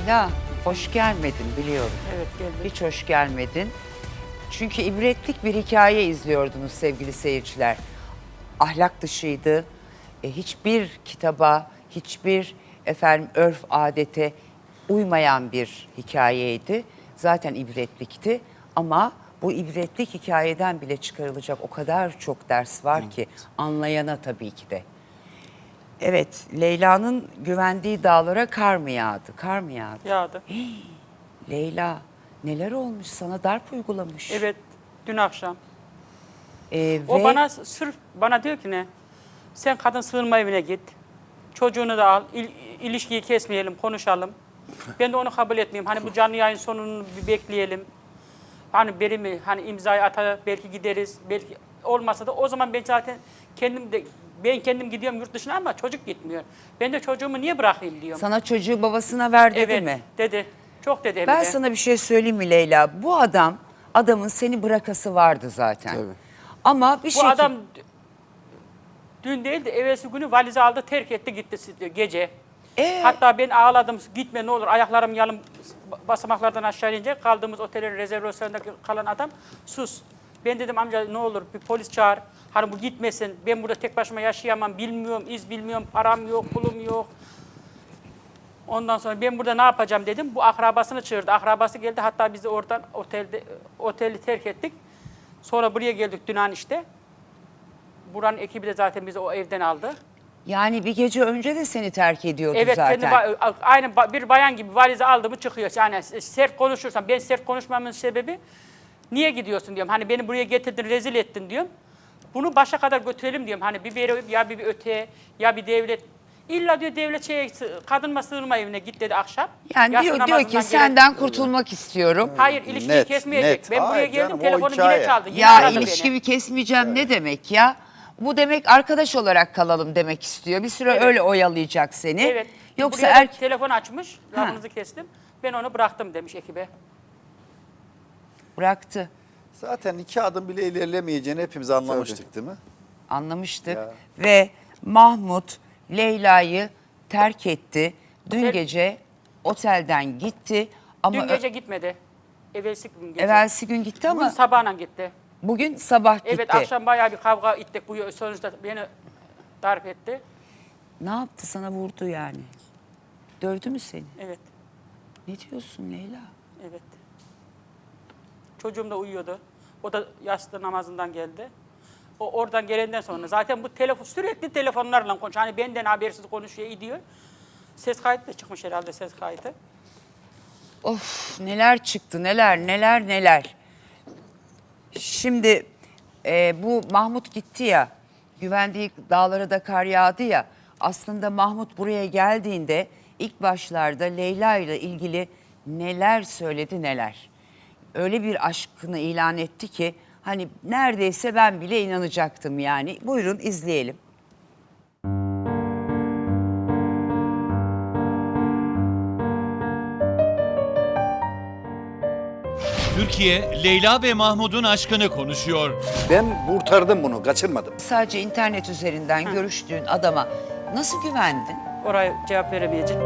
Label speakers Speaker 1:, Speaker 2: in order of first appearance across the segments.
Speaker 1: Leyla, hoş gelmedin biliyorum.
Speaker 2: Evet, geldim.
Speaker 1: Hiç hoş gelmedin. Çünkü ibretlik bir hikaye izliyordunuz sevgili seyirciler. Ahlak dışıydı. Hiçbir kitaba, hiçbir örf adete uymayan bir hikayeydi. Zaten ibretlikti ama bu ibretlik hikayeden bile çıkarılacak o kadar çok ders var ki anlayana tabii ki de. Evet, Leyla'nın güvendiği dağlara kar mı yağdı? Kar mı yağdı?
Speaker 2: Yağdı.
Speaker 1: Leyla, neler olmuş sana, darp uygulamış.
Speaker 2: Evet, dün akşam.
Speaker 1: Ve
Speaker 2: O bana sırf bana diyor ki ne? Sen kadın sığınma evine git. Çocuğunu da al. İlişkiyi kesmeyelim, konuşalım. Ben de onu kabul etmeyeyim. Hani bu canlı yayın sonunu bir bekleyelim. Hani biri mi? Hani imzayı atar, belki gideriz. Belki olmasa da o zaman ben zaten kendim gidiyorum yurt dışına ama çocuk gitmiyor. Ben de çocuğumu niye bırakayım diyorum.
Speaker 1: sana çocuğu babasına ver dedi
Speaker 2: Evet,
Speaker 1: mi?
Speaker 2: dedi. Çok dedi hem
Speaker 1: Ben
Speaker 2: de.
Speaker 1: sana bir şey söyleyeyim mi Leyla? Bu adamın seni bırakası vardı zaten.
Speaker 3: Tabii.
Speaker 1: Ama bir
Speaker 2: Bu
Speaker 1: şekilde...
Speaker 2: adam dün değil de evvelsi günü valizi aldı, terk etti gitti gece. Hatta ben ağladım, gitme ne olur, ayaklarım yalın, basamaklardan aşağı ince kaldığımız otelin rezervasyonundaki kalan adam sus. Ben dedim amca ne olur bir polis çağır, hani bu gitmesin, ben burada tek başıma yaşayamam, bilmiyorum, iz bilmiyorum, param yok, pulum yok. Ondan sonra ben burada ne yapacağım dedim, bu akrabasını çağırdı, akrabası geldi, hatta bizi oradan oteli terk ettik. Sonra buraya geldik dün işte. Buranın ekibi de zaten bizi o evden aldı.
Speaker 1: Yani bir gece önce de seni terk ediyordu
Speaker 2: Evet,
Speaker 1: zaten.
Speaker 2: aynı bir bayan gibi valizi aldı mı çıkıyor. Yani sert konuşursam, ben sert konuşmamın sebebi niye gidiyorsun diyorum. Hani beni buraya getirdin, rezil ettin diyorum. Bunu başa kadar götürelim diyorum. Hani bir beri, ya bir öteye, ya bir devlet. İlla diyor devlet kadınma sığınma evine git dedi akşam.
Speaker 1: Yani
Speaker 2: Yatsı
Speaker 1: diyor
Speaker 2: namazından
Speaker 1: ki senden
Speaker 2: gelen-
Speaker 1: kurtulmak istiyorum.
Speaker 2: Hayır, ilişkiyi
Speaker 3: Net,
Speaker 2: kesmeyecek.
Speaker 3: net.
Speaker 2: Ben buraya
Speaker 3: Hayır
Speaker 2: geldim,
Speaker 3: canım, o
Speaker 2: telefonum yine
Speaker 3: hikaye.
Speaker 2: çaldı. Yine
Speaker 1: Ya
Speaker 2: aradı
Speaker 1: ilişkimi
Speaker 2: beni.
Speaker 1: kesmeyeceğim ne demek ya? Bu demek arkadaş olarak kalalım demek istiyor. Bir süre
Speaker 2: Evet.
Speaker 1: öyle oyalayacak seni.
Speaker 2: Evet.
Speaker 1: Yoksa
Speaker 2: Buraya da telefon açmış, lafınızı kestim. Ben onu bıraktım demiş ekibe.
Speaker 1: bıraktı.
Speaker 3: Zaten 2 adım bile ilerlemeyeceğini hepimiz anlamıştık değil mi?
Speaker 1: Anlamıştık.
Speaker 3: Ya.
Speaker 1: Ve Mahmut Leyla'yı terk etti. Dün
Speaker 2: Otel-
Speaker 1: gece otelden gitti. Ama
Speaker 2: Dün gece gitmedi. Evvelsi gün gece.
Speaker 1: evvelsi gün gitti
Speaker 2: Bugün
Speaker 1: ama
Speaker 2: sabahla gitti.
Speaker 1: bugün sabah gitti.
Speaker 2: Evet, akşam bayağı bir kavga ettik. Bu sonuçta beni darp etti.
Speaker 1: Ne yaptı, sana vurdu yani? Dövdü mü seni?
Speaker 2: Evet,
Speaker 1: Ne diyorsun Leyla?
Speaker 2: evet. Çocuğum da uyuyordu. O da yatsı namazından geldi. O oradan gelenden sonra zaten bu sürekli telefonlarla konuşuyor. Hani benden habersiz konuşuyor, gidiyor. Ses kaydı da çıkmış herhalde, ses kaydı.
Speaker 1: Of, neler çıktı, neler. Şimdi bu Mahmut gitti ya, güvendiği dağlara da kar yağdı ya. Aslında Mahmut buraya geldiğinde ilk başlarda Leyla ile ilgili neler söyledi neler. Öyle bir aşkını ilan etti ki hani neredeyse ben bile inanacaktım yani. Buyurun izleyelim.
Speaker 4: Türkiye, Leyla ve Mahmut'un aşkını konuşuyor.
Speaker 3: Ben kurtardım bunu, kaçırmadım.
Speaker 1: Sadece internet üzerinden görüştüğün adama nasıl güvendin?
Speaker 2: Oraya cevap veremeyeceğim.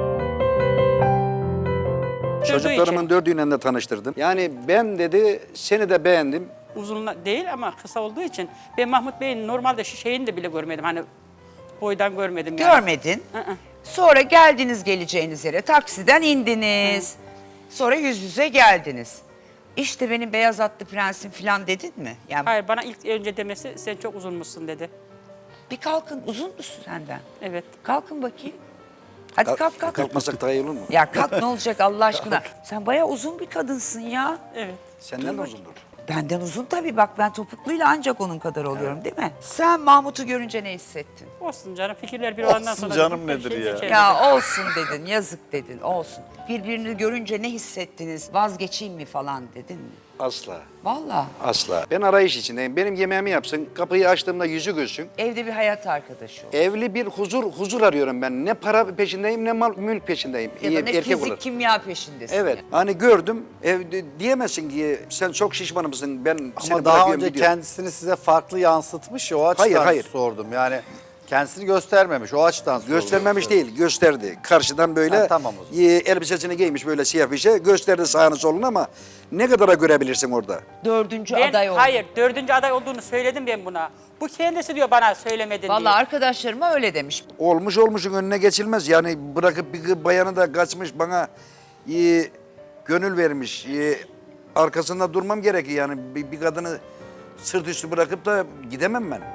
Speaker 3: Çocuklarımın 4'üyle de tanıştırdım. Yani ben dedi, seni de beğendim.
Speaker 2: Uzun değil ama kısa olduğu için ben Mahmut Bey'in normalde şeyini de bile görmedim. Hani boydan görmedim yani.
Speaker 1: Görmedin. Sonra geldiniz geleceğiniz yere. Taksiden indiniz. Sonra yüz yüze geldiniz. İşte benim beyaz atlı prensim falan dedin mi? Yani
Speaker 2: Hayır, bana ilk önce demesi sen çok uzunmuşsun dedi.
Speaker 1: bir kalkın, uzun musun senden?
Speaker 2: Evet.
Speaker 1: Kalkın bakayım. Hadi kalk.
Speaker 3: Kalkmasak daha iyi olur mu?
Speaker 1: Ya kalk ne olacak Allah aşkına. Sen bayağı uzun bir kadınsın ya.
Speaker 2: Evet.
Speaker 3: Senden de uzundur.
Speaker 1: Benden uzun tabii, bak ben topukluyla ancak onun kadar oluyorum değil mi? Sen Mahmut'u görünce ne hissettin?
Speaker 2: Olsun canım, fikirler bir olandan
Speaker 3: Olsun
Speaker 2: sonra...
Speaker 3: canım
Speaker 2: dedik,
Speaker 3: nedir ya?
Speaker 2: seçelim.
Speaker 1: Ya olsun dedin, yazık dedin, olsun. Birbirini görünce ne hissettiniz, vazgeçeyim mi falan dedin mi?
Speaker 3: Asla.
Speaker 1: Vallahi
Speaker 3: Asla. Ben arayış içindeyim. Benim yemeğimi yapsın, kapıyı açtığımda yüzü gülsün.
Speaker 1: evde bir hayat arkadaşı ol.
Speaker 3: Evli bir huzur arıyorum ben. Ne para peşindeyim ne mülk peşindeyim.
Speaker 1: Ya da ne
Speaker 3: Erkek
Speaker 1: fizik
Speaker 3: olur.
Speaker 1: kimya peşindesin.
Speaker 3: Evet.
Speaker 1: ya.
Speaker 3: Hani gördüm. Evde diyemezsin ki sen çok şişman mısın, ben seni
Speaker 5: Ama daha
Speaker 3: bırakıyorum
Speaker 5: önce
Speaker 3: gidiyorum.
Speaker 5: kendisini size farklı yansıtmış ya, o açıdan
Speaker 3: Hayır.
Speaker 5: sordum. Yani Kendisini göstermemiş o açıdan soruyor.
Speaker 3: Göstermemiş değil, gösterdi. Karşıdan böyle
Speaker 5: Ha, tamam o zaman.
Speaker 3: elbisesini giymiş böyle siyah bir şey. Gösterdi sağını solunu ama ne kadara görebilirsin orada?
Speaker 1: Dördüncü
Speaker 2: Ben,
Speaker 1: aday oldu.
Speaker 2: hayır, 4. aday olduğunu söyledim ben buna. Bu kendisi diyor bana söylemedin diye.
Speaker 1: Vallahi arkadaşlarıma öyle demiş.
Speaker 3: Olmuş olmuşun önüne geçilmez. Yani bırakıp bir bayanı da kaçmış bana gönül vermiş. Arkasında durmam gerekiyor yani bir kadını sırt üstü bırakıp da gidemem ben.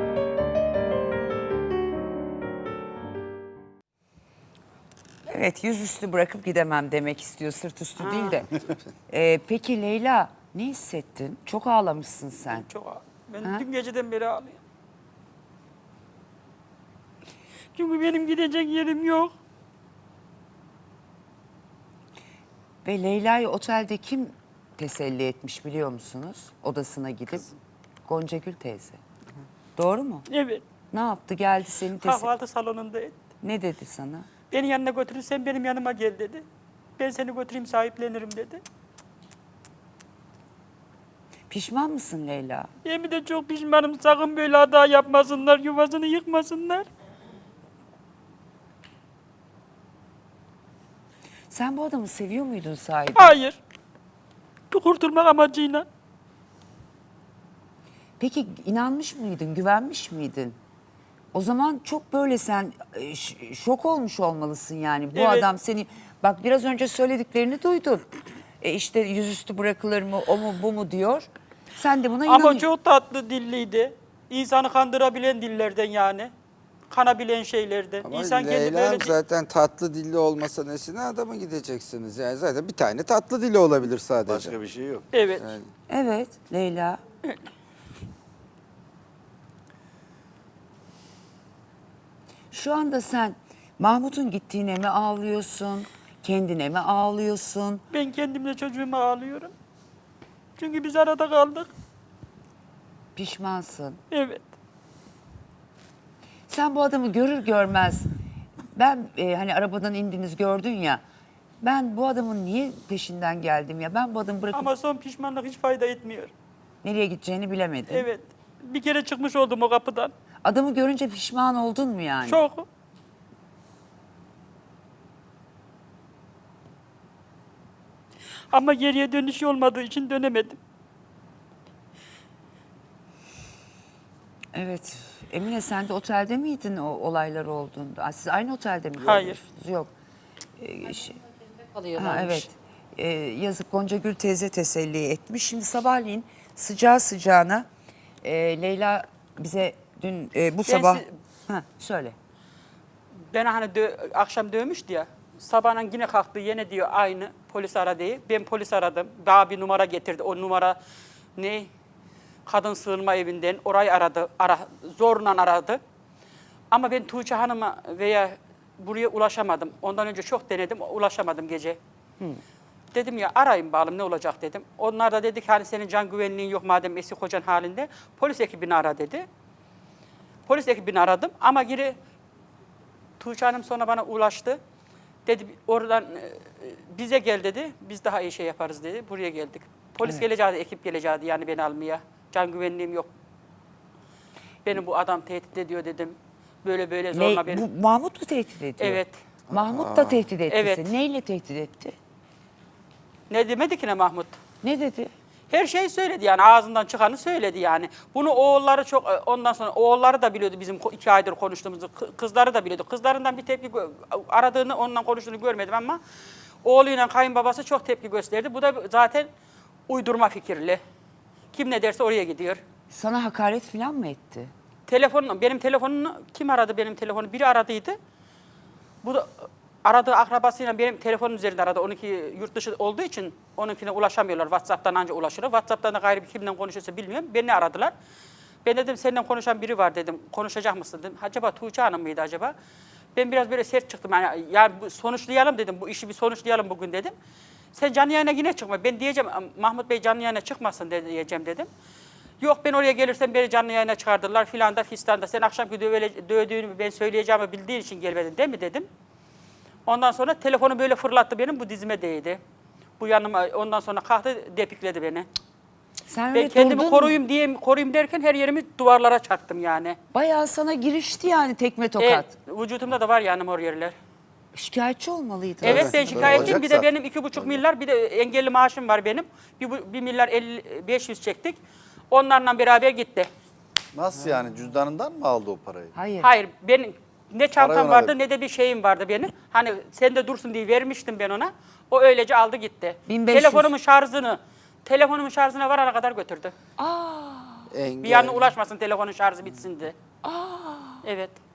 Speaker 1: Evet, yüzüstü bırakıp gidemem demek istiyor, sırt üstü değil de. Peki Leyla, ne hissettin? Çok ağlamışsın sen.
Speaker 2: Çok ben dün geceden beri ağlıyorum. Çünkü benim gidecek yerim yok.
Speaker 1: Ve Leyla'yı otelde kim teselli etmiş biliyor musunuz? Odasına gidip. Gonca Gül teyze. Doğru mu?
Speaker 2: Evet.
Speaker 1: Ne yaptı? Geldi seni teselli.
Speaker 2: Kahvaltı salonunda etti.
Speaker 1: Ne dedi sana?
Speaker 2: Beni yanına götürürsen benim yanıma gel dedi. Ben seni götüreyim sahiplenirim dedi.
Speaker 1: Pişman mısın Leyla?
Speaker 2: Yemin de çok pişmanım. Sakın böyle hata yapmasınlar, yuvasını yıkmasınlar.
Speaker 1: Sen bu adamı seviyor muydun sahibi?
Speaker 2: Hayır. Kurtulmak amacıyla.
Speaker 1: Peki inanmış mıydın, güvenmiş miydin? O zaman çok böyle sen şok olmuş olmalısın yani. Bu
Speaker 2: Evet.
Speaker 1: adam seni, bak biraz önce söylediklerini duydun. İşte yüzüstü bırakılır mı, o mu bu mu diyor. Sen de buna
Speaker 2: Ama
Speaker 1: inanıyorsun.
Speaker 2: çok tatlı dilliydi. İnsanı kandırabilen dillerden yani. Kanabilen şeylerden.
Speaker 6: Ama
Speaker 2: İnsan kendi
Speaker 6: Leyla
Speaker 2: böyle
Speaker 6: Hanım zaten tatlı dilli olmasa nesine adama gideceksiniz? Yani zaten bir tane tatlı dili olabilir sadece.
Speaker 3: Başka bir şey yok.
Speaker 2: Evet.
Speaker 6: Yani
Speaker 1: Evet Leyla. Şu anda sen Mahmut'un gittiğine mi ağlıyorsun? Kendine mi ağlıyorsun?
Speaker 2: Ben kendimle çocuğuma ağlıyorum. Çünkü biz arada kaldık.
Speaker 1: Pişmansın.
Speaker 2: Evet.
Speaker 1: Sen bu adamı görür görmez, ben hani arabadan indiniz gördün ya, ben bu adamın niye peşinden geldim ya, ben bu adamı bırakıp
Speaker 2: Ama son pişmanlık hiç fayda etmiyor.
Speaker 1: nereye gideceğini bilemedin.
Speaker 2: Evet. Bir kere çıkmış oldum o kapıdan.
Speaker 1: Adamı görünce pişman oldun mu yani?
Speaker 2: Çok. Ama geriye dönüş olmadığı için dönemedim.
Speaker 1: Evet. Emine sen de otelde miydin o olaylar olduğunda? Siz aynı otelde mi
Speaker 2: Hayır.
Speaker 1: görmüştünüz? Yok.
Speaker 7: kalıyorlarmış.
Speaker 1: Ha, evet. Yazık Gonca Gül teyze teselli etmiş. Şimdi sabahleyin sıcağı sıcağına Leyla bize dün bu sabah... Ha, söyle.
Speaker 2: Ben hani akşam dövmüştü ya. Sabahın yine kalktı yine diyor aynı polis aradı. Ben polis aradım. Daha bir numara getirdi. O numara ne? Kadın sığınma evinden orayı aradı. Zorla aradı. Ama ben Tuğçe Hanım'a veya buraya ulaşamadım. Ondan önce çok denedim. Ulaşamadım gece. Dedim ya arayın bakalım ne olacak dedim. Onlar da dedi ki hani senin can güvenliğin yok madem eski kocan halinde. Polis ekibini ara dedi. Polis ekibini aradım ama geri Tuğçe Hanım sonra bana ulaştı. Dedi oradan bize gel dedi. Biz daha iyi şey yaparız dedi. Buraya geldik. Polis geleceği, ekip geleceği yani beni almaya. Can güvenliğim yok. Beni bu adam tehdit ediyor dedim. Böyle böyle zorla beni.
Speaker 1: Bu Mahmut mu tehdit ediyor?
Speaker 2: Evet.
Speaker 1: Mahmut da tehdit etti
Speaker 2: Evet.
Speaker 1: seni. Neyle tehdit etti?
Speaker 2: Ne demedi ki ne Mahmut?
Speaker 1: Ne dedi?
Speaker 2: Her şeyi söyledi yani ağzından çıkanı söyledi yani. Bunu oğulları çok ondan sonra oğulları da biliyordu bizim 2 aydır konuştuğumuzu. Kızları da biliyordu. Kızlarından bir tepki aradığını ondan konuştuğunu görmedim ama oğluyla kayınbabası çok tepki gösterdi. Bu da zaten uydurma fikirli. Kim ne derse oraya gidiyor.
Speaker 1: Sana hakaret falan mı etti?
Speaker 2: Benim telefonumu kim aradı benim telefonu? Biri aradıydı. Bu da aradığı akrabasıyla benim telefonum üzerinde aradı. Onunki yurt dışı olduğu için onunkine ulaşamıyorlar. WhatsApp'tan anca ulaşır. WhatsApp'tan da gayrı bir kimden konuşuyorsa bilmiyorum. Beni aradılar. Ben dedim seninle konuşan biri var dedim. Konuşacak mısın dedim. Acaba Tuğçe Hanım mıydı acaba? Ben biraz böyle sert çıktım. Yani sonuçlayalım dedim. Bu işi bir sonuçlayalım bugün dedim. Sen canlı yayına yine çıkma. Ben diyeceğim Mahmut Bey canlı yayına çıkmasın diyeceğim dedim. Yok ben oraya gelirsem beni canlı yayına çıkardılar filan da fistan da. Sen akşamki dövdüğünü ben söyleyeceğimi bildiğin için gelmedin değil mi dedim. Ondan sonra telefonu böyle fırlattı benim bu dizime değdi. Bu yanıma ondan sonra kalktı depikledi beni.
Speaker 1: Sen
Speaker 2: Ben
Speaker 1: öyle
Speaker 2: kendimi
Speaker 1: durdun,
Speaker 2: koruyayım derken her yerimi duvarlara çarptım yani.
Speaker 1: bayağı sana girişti yani tekme tokat.
Speaker 2: Vücudumda da var yani mor yerler.
Speaker 1: Şikayetçi olmalıydın.
Speaker 2: Evet
Speaker 1: aslında.
Speaker 2: ben şikayetliyim. Bir de
Speaker 5: olacaksa.
Speaker 2: benim 2,5 milyar bir de engelli maaşım var benim. 1 milyar 500 çektik. Onlarla beraber gitti.
Speaker 5: Nasıl yani cüzdanından mı aldı o parayı?
Speaker 1: Hayır.
Speaker 2: Hayır benim ne çantam
Speaker 5: Parayı ona
Speaker 2: vardı
Speaker 5: verdi.
Speaker 2: ne de bir şeyim vardı benim. Hani sen de dursun diye vermiştim ben ona. O öylece aldı gitti.
Speaker 1: 1500.
Speaker 2: Telefonumun şarjına varana kadar götürdü. Bir yanına ulaşmasın telefonun şarjı bitsin diye. Evet.